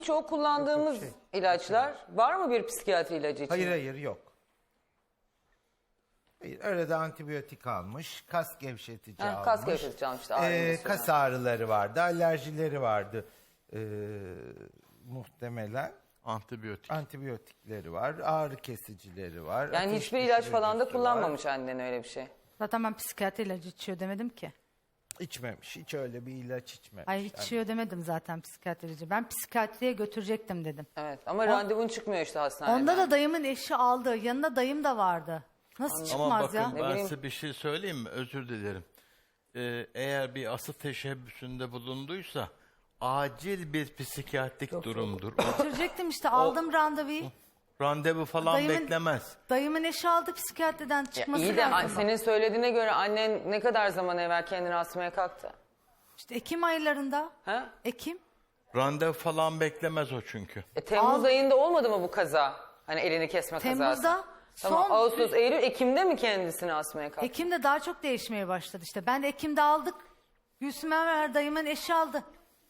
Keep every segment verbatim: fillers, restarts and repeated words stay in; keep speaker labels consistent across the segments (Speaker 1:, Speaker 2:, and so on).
Speaker 1: Çok kullandığımız
Speaker 2: Şey,
Speaker 1: ilaçlar var mı bir psikiyatri ilacı için?
Speaker 2: Hayır hayır yok. Hayır, arada antibiyotik almış, kas gevşetici
Speaker 1: Ha,
Speaker 2: almış.
Speaker 1: kas gevşetici almıştı, ağrı
Speaker 2: Ee,
Speaker 1: mesela.
Speaker 2: kas ağrıları vardı, alerjileri vardı ee, muhtemelen.
Speaker 3: Antibiyotik.
Speaker 2: Antibiyotikleri var, ağrı kesicileri var.
Speaker 1: Yani
Speaker 2: ateş
Speaker 1: hiçbir ilaç falan da
Speaker 2: düşürücüsü
Speaker 1: kullanmamış annen öyle bir şey.
Speaker 4: Zaten ben psikiyatri ilacı içiyor demedim ki.
Speaker 2: var. İçmemiş, hiç öyle bir ilaç içmemiş.
Speaker 4: Ay içiyor demedim zaten psikiyatri ilacı. Ben psikiyatriye götürecektim dedim.
Speaker 1: Evet ama randevun çıkmıyor işte hastaneden.
Speaker 4: Onda da dayımın eşi aldı. Yanında dayım da vardı. Nasıl
Speaker 3: Ama
Speaker 4: çıkmaz
Speaker 3: bakın
Speaker 4: ya?
Speaker 1: Ne
Speaker 3: ben
Speaker 1: bileyim.
Speaker 3: size bir şey söyleyeyim mi? Özür dilerim. Ee, eğer bir asıl teşebbüsünde bulunduysa acil bir psikiyatrik durumdur. O
Speaker 4: Götürecektim işte aldım randevuyu.
Speaker 3: randevu falan
Speaker 4: Dayımın-
Speaker 3: beklemez.
Speaker 4: Dayımın eşi aldı psikiyatriden
Speaker 1: Ya
Speaker 4: çıkması
Speaker 1: iyi de an-
Speaker 4: lazım.
Speaker 1: senin söylediğine göre annen ne kadar zaman evvel kendini asmaya kalktı?
Speaker 4: İşte Ekim aylarında.
Speaker 1: Ha?
Speaker 4: Ekim.
Speaker 3: Randevu falan beklemez o çünkü.
Speaker 1: E, Temmuz
Speaker 4: Al-
Speaker 1: ayında olmadı mı bu kaza? Hani elini kesme kazası.
Speaker 4: Temmuz'da
Speaker 1: Tamam,
Speaker 4: son-
Speaker 1: Ağustos, Eylül, Ekim'de mi kendisini asmaya kalktı?
Speaker 4: Ekim'de daha çok değişmeye başladı işte. Ben de Ekim'de aldık. Gülsüm Enver dayımın eşi aldı.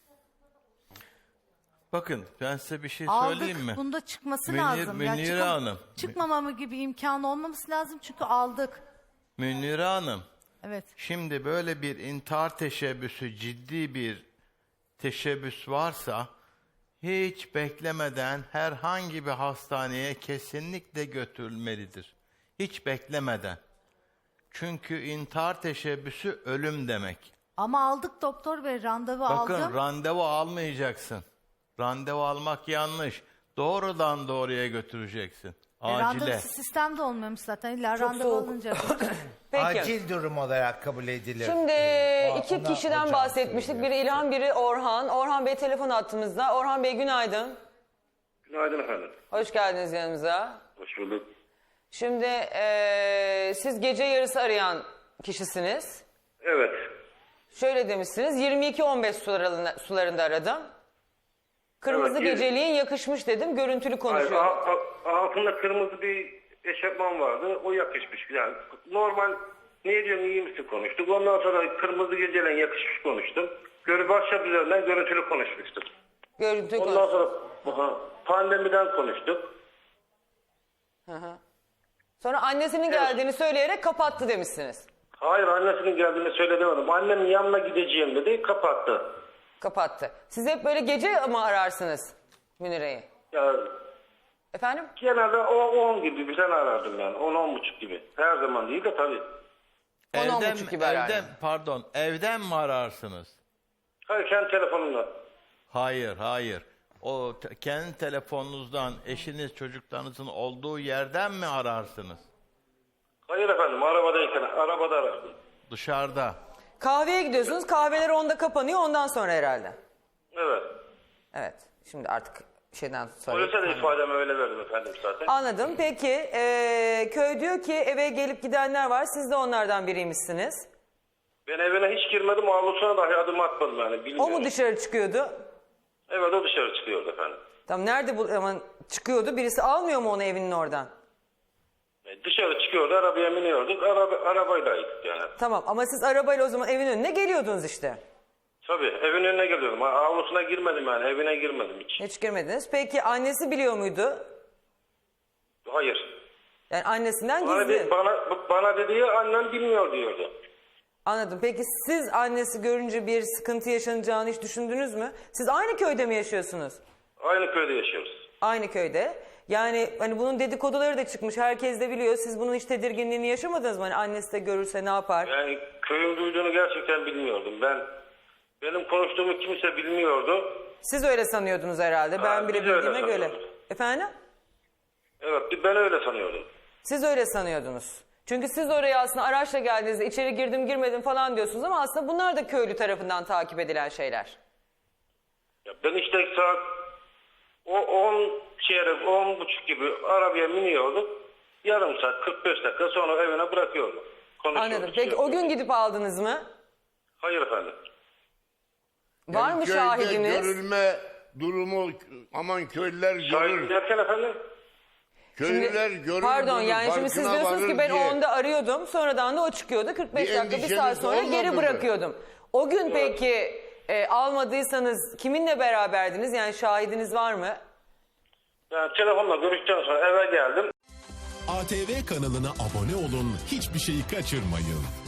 Speaker 3: Bakın ben size bir şey
Speaker 4: Aldık.
Speaker 3: söyleyeyim mi?
Speaker 4: Bunda çıkması
Speaker 3: Münir-
Speaker 4: lazım. Yani
Speaker 3: Münire
Speaker 4: çıkam-
Speaker 3: Hanım.
Speaker 4: Çıkmamamı gibi imkanı olmaması lazım çünkü aldık.
Speaker 3: Münire Hanım,
Speaker 4: Evet.
Speaker 3: şimdi böyle bir intihar teşebbüsü, ciddi bir teşebbüs varsa hiç beklemeden herhangi bir hastaneye kesinlikle götürülmelidir. Hiç beklemeden. Çünkü intihar teşebbüsü ölüm demek.
Speaker 4: Ama aldık doktor bey randevu
Speaker 3: Bakın
Speaker 4: aldım.
Speaker 3: randevu almayacaksın. Randevu almak yanlış. Doğrudan doğruya götüreceksin.
Speaker 4: E,
Speaker 3: Acile.
Speaker 4: randevusu sistemde olmuyormuş zaten. İlla randevu
Speaker 1: soğuk.
Speaker 4: alınca.
Speaker 1: Peki.
Speaker 2: Acil durum olarak kabul edilir.
Speaker 1: Şimdi
Speaker 2: Ee,
Speaker 1: iki
Speaker 2: ona
Speaker 1: kişiden
Speaker 2: hocam
Speaker 1: bahsetmiştik.
Speaker 2: söylüyor.
Speaker 1: Biri İlhan, biri Orhan. Orhan Bey telefon attığımızda. Orhan Bey günaydın.
Speaker 5: Günaydın efendim.
Speaker 1: Hoş geldiniz yanımıza.
Speaker 5: Hoş bulduk.
Speaker 1: Şimdi eee, siz gece yarısı arayan kişisiniz.
Speaker 5: Evet.
Speaker 1: Şöyle demişsiniz, yirmi iki on beş sularında, sularında aradım. Kırmızı
Speaker 5: Evet, yirmi-
Speaker 1: geceliğin yakışmış dedim, görüntülü
Speaker 5: Hayır,
Speaker 1: konuşuyorum.
Speaker 5: a- a- altında kırmızı bir eşofman vardı. O yakışmış. Yani normal ne diyorsun iyi misin konuştuk. Ondan sonra kırmızı geceleyin yakışmış konuştum. Görü WhatsApp üzerinden görüntülü konuşmuştuk.
Speaker 1: Görüntülü
Speaker 5: Ondan
Speaker 1: konuşuyorum.
Speaker 5: sonra aha, pandemiden konuştuk.
Speaker 1: Hı hı. Sonra annesinin geldiğini söyleyerek kapattı demişsiniz.
Speaker 5: Hayır, annesinin geldiğini söyleyemedim. Annemin yanına gideceğim dedi, kapattı.
Speaker 1: Kapattı. Siz hep böyle gece mi ararsınız Münir'i?
Speaker 5: Ya
Speaker 1: Efendim?
Speaker 5: genelde o on gibi bir tane arardım yani. on on buçuk gibi. Her zaman değil de tabii.
Speaker 1: on, on
Speaker 3: Evden,
Speaker 1: buçuk gibi arar.
Speaker 3: evden, pardon, evden mi ararsınız?
Speaker 5: Hayır, kendi telefonumla.
Speaker 3: Hayır, hayır. O te- kendi telefonunuzdan eşiniz, çocuklarınızın olduğu yerden mi ararsınız?
Speaker 5: Hayır efendim, arabadayken arabada arardım.
Speaker 3: Dışarıda.
Speaker 1: Kahveye gidiyorsunuz, kahveler onda kapanıyor, ondan sonra herhalde.
Speaker 5: Evet.
Speaker 1: Evet, şimdi artık şeyden sonra...
Speaker 5: Polise de ifademi öyle verdim efendim zaten.
Speaker 1: Anladım. Peki, eee, köy diyor ki eve gelip gidenler var, siz de onlardan biriymişsiniz.
Speaker 5: Ben evine hiç girmedim, avlusuna dahi adım atmadım yani,
Speaker 1: O
Speaker 5: bilmiyorum.
Speaker 1: mu dışarı çıkıyordu?
Speaker 5: Evet, o dışarı çıkıyordu efendim.
Speaker 1: Tam nerede bu ama çıkıyordu? Birisi almıyor mu onu evinin oradan?
Speaker 5: E, dışarı çıkıyordu, arabaya biniyorduk, araba, arabaylaydık yani.
Speaker 1: Tamam ama siz arabayla o zaman evin önüne geliyordunuz işte.
Speaker 5: Tabii, evin önüne geliyordum. Ha, avlusuna girmedim yani, evine girmedim hiç.
Speaker 1: Hiç girmediniz. Peki annesi biliyor muydu?
Speaker 5: Hayır.
Speaker 1: Yani annesinden
Speaker 5: Bana,
Speaker 1: gizli.
Speaker 5: de, bana, bana dediği annem bilmiyor diyordu.
Speaker 1: Anladım. Peki siz annesi görünce bir sıkıntı yaşanacağını hiç düşündünüz mü? Siz aynı köyde mi yaşıyorsunuz?
Speaker 5: Aynı köyde yaşıyoruz.
Speaker 1: Aynı köyde. Yani hani bunun dedikoduları da çıkmış. Herkes de biliyor. Siz bunun hiç tedirginliğini yaşamadınız mı? Hani annesi de görürse ne yapar?
Speaker 5: Yani köyün duyduğunu gerçekten bilmiyordum. Ben benim konuştuğumu kimse bilmiyordu.
Speaker 1: Siz öyle sanıyordunuz herhalde.
Speaker 5: Ha,
Speaker 1: Ben bile
Speaker 5: biz öyle
Speaker 1: bildiğime göre.
Speaker 5: sanıyorduk.
Speaker 1: Efendim?
Speaker 5: Evet, ben öyle sanıyordum.
Speaker 1: Siz öyle sanıyordunuz. Çünkü siz oraya aslında araçla geldiğinizde içeri girdim girmedim falan diyorsunuz ama aslında bunlar da köylü tarafından takip edilen şeyler.
Speaker 5: Ya ben işte saat o on çeyrek, on buçuk gibi arabaya biniyorduk. Yarım saat, kırk beş dakika sonra evine bırakıyordum. Konuşuyorduk,
Speaker 1: Anladım. Peki o
Speaker 5: çıkıyorduk.
Speaker 1: gün gidip aldınız mı?
Speaker 5: Hayır efendim.
Speaker 1: Var mı
Speaker 6: köyde
Speaker 1: şahidiniz?
Speaker 6: görülme durumu, aman köylüler
Speaker 5: Şahit
Speaker 6: görür.
Speaker 5: derken efendim?
Speaker 6: Köylüler görür.
Speaker 1: Pardon
Speaker 6: bunu,
Speaker 1: yani şimdi siz
Speaker 6: farkına
Speaker 1: diyorsunuz ki
Speaker 6: varır
Speaker 1: ben
Speaker 6: diye.
Speaker 1: onda arıyordum. Sonradan da o çıkıyordu. kırk beş
Speaker 6: Bir
Speaker 1: dakika bir
Speaker 6: endişeniz
Speaker 1: saat sonra geri
Speaker 6: olmadı mı?
Speaker 1: bırakıyordum. O gün peki e, almadıysanız kiminle beraberdiniz? Yani şahidiniz var mı?
Speaker 5: Yani telefonla görüştükten sonra eve geldim.
Speaker 7: A T V kanalına abone olun, hiçbir şeyi kaçırmayın.